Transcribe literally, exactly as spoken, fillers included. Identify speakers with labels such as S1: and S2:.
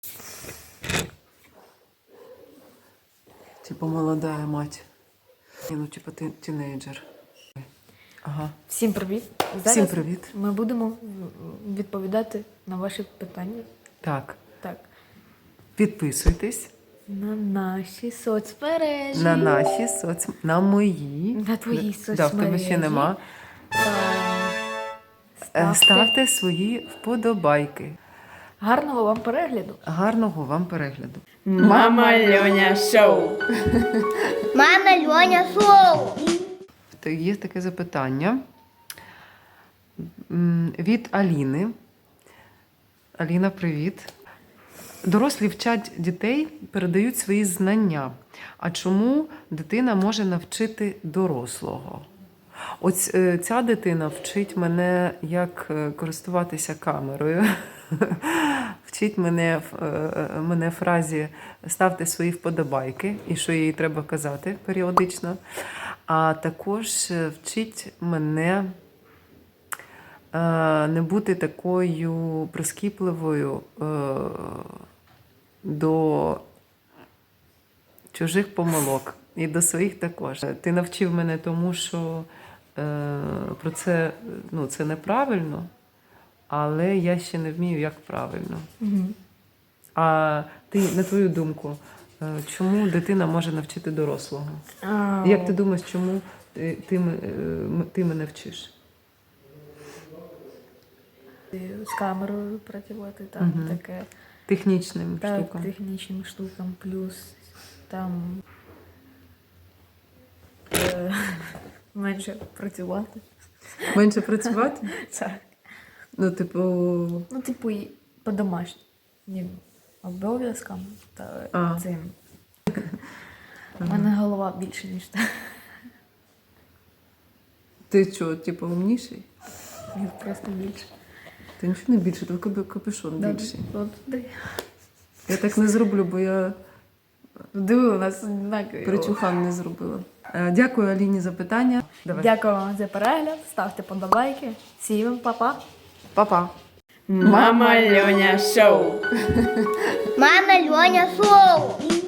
S1: Типа молодая мать. Ні, ну, типа ти тінейджер. Ага.
S2: Всім привіт! Зараз
S1: Всім привіт.
S2: ми будемо відповідати на ваші питання.
S1: Так.
S2: Так.
S1: Підписуйтесь
S2: На наші соцмережі.
S1: на наші соц... на мої.
S2: На твої
S1: Да,
S2: соцмережі.
S1: в тебе ще нема.
S2: Та
S1: Е, Ставте свої вподобайки.
S2: Гарного вам перегляду.
S1: Гарного вам перегляду.
S2: Мама Льоня Шоу.
S3: Мама Льоня Шоу.
S1: То є таке запитання М, від Аліни. Аліна, привіт. Дорослі вчать дітей, передають свої знання. А чому дитина може навчити дорослого? Ось е, ця дитина вчить мене, як е, користуватися камерою. Вчить мене, в- е, мене фразі «ставте свої вподобайки» і що їй треба казати періодично. А також е, вчить мене е, не бути такою прискіпливою е, до чужих помилок і до своїх також. Ти навчив мене тому, що е, про це, ну, це неправильно, але я ще не вмію, як правильно.
S2: Угу.
S1: А ти, на твою думку, е, чому дитина може навчити дорослого?
S2: А,
S1: Як ти думаєш, чому ти, ти, м- е, м- ти мене вчиш?
S2: з камерою працювати, там
S1: Мгм.
S2: таке.
S1: Технічним
S2: Так,
S1: штукам?
S2: технічним штукам, плюс там е, менше працювати.
S1: Менше працювати?
S2: Так.
S1: Ну, типу,
S2: Ну, типу, і по домашнім обов'язкам та
S1: А.
S2: цим. У мене голова більше, ніж та.
S1: ти що, типу, умніший?
S2: Ні, просто більше.
S1: Ти нічого не більше, тільки капюшон більший.
S2: От, де.
S1: Я так не зроблю, бо я
S2: Диви, у нас однакові.
S1: причухан не зробила. Е, Дякую Аліні за питання. Давай.
S2: Дякую вам за перегляд. Ставте подобайки. Всім па-па.
S1: Па-па.
S2: Мама Льоня Шоу.
S3: Мама Льоня Шоу.